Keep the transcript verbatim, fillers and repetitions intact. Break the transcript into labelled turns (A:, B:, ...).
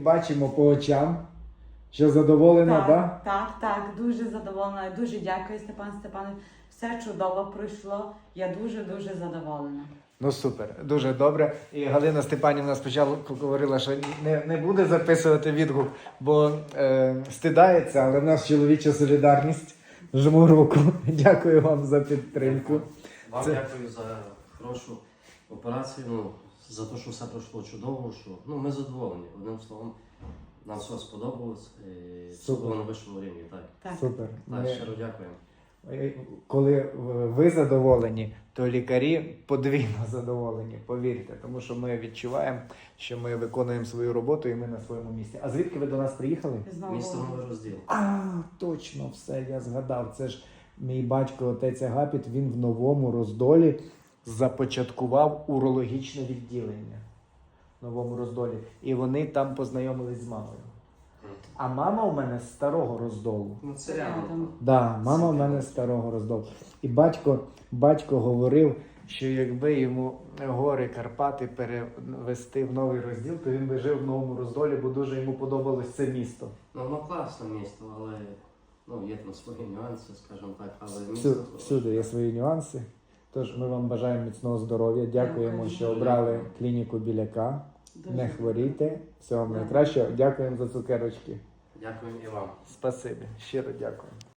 A: бачимо по очам, що задоволена, так?
B: Так, так, так, дуже задоволена. Дуже дякую, Степан Степанович. Все чудово пройшло. Я дуже-дуже задоволена.
A: Ну супер, дуже добре. І Галина Степанівна спочатку говорила, що не, не буде записувати відгук, бо е, стидається, але в нас чоловіча солідарність. Жму руку. Дякую вам за підтримку.
C: Вам
A: Це-
C: дякую за хорошу операцію, ну, за те, що все пройшло чудово, що ну, ми задоволені. Одним словом, нам все сподобалось. І все
A: Супер.
C: було на вищому рівні. Так,
B: Так.
A: Супер.
C: так
A: Ми-
C: щиро дякуємо.
A: Коли ви задоволені, то лікарі подвійно задоволені, повірте, тому що ми відчуваємо, що ми виконуємо свою роботу і ми на своєму місці. А звідки ви до нас приїхали?
B: Знову.
C: Місто Новий Розділ.
A: А, точно, все, я згадав. Це ж мій батько, отець Агапіт, він в Новому Роздолі започаткував урологічне відділення. В Новому Роздолі. І вони там познайомились з мамою. А мама у мене з Старого Роздолу.
C: Ну, це реально.
B: Рядом.
A: Да, мама в мене з Старого Роздолу. І батько, батько говорив, що якби йому гори Карпати перевести в Новий Розділ, то він би жив в Новому Роздолі, бо дуже йому подобалось це місто.
C: Ну, воно класне місто, але ну, є там свої нюанси, скажімо так, але місто
A: Всюди,
C: хороше.
A: всюди є свої нюанси. Тож ми вам бажаємо міцного здоров'я. Дякуємо,
B: Дякую.
A: що обрали клініку Біляка.
B: Дуже.
A: Не хворійте. Всього вам
B: Дякую.
A: найкращого. Дякуємо за цукерочки.
C: Дякуємо і вам.
A: Спасибі. Щиро дякую.